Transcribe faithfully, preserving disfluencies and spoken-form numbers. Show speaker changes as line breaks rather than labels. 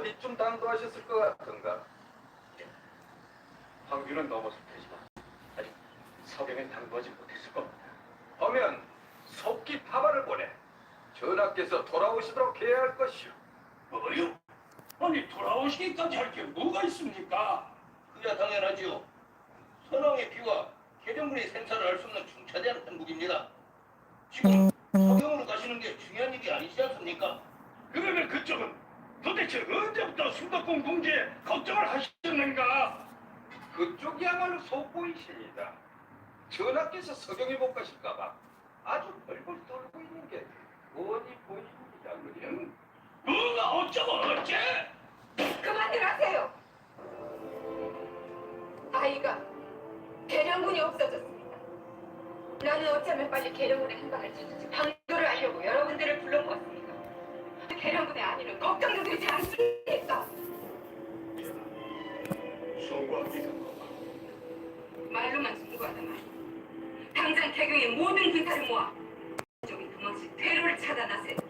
어디쯤 당도하셨을 것 같은가?
황규는 넘어설 테지만 아직 서경엔 당도하지 못했을 겁니다.
하면 속기 파발을 보내 전하께서 돌아오시도록 해야 할 것이오.
뭐요? 아니 돌아오시기까지 할 게 뭐가 있습니까?
그야 당연하지요. 선왕의 비와 계령군의 생사를 알 수 없는 중차대한 행국입니다. 지금 서경으로 가시는 게 중요한 일이 아니지 않습니까?
그러면 그쪽은 도대체 언제부터 수도권 공주에 걱정을 하셨는가?
그쪽이야말로 속보이십니다. 전하께서 서경에 못 가실까봐 아주 벌벌 떨고 있는 게 어디 보입니다. 그냥
뭐가 어쩌고 어째?
그만들 하세요. 아이가 계령군이 없어졌습니다. 나는 어쩌면 빨리 계령군의 행방을 찾아서 방도를 알려고 여러분들을 불러모았습니다. 계령군의 안위는 걱정도 되지 않습니까?
송구합니다.
말로만 송구하다만 당장 개경의 모든 군사를 모아 적인 금왕씨 퇴로를 차단하세요.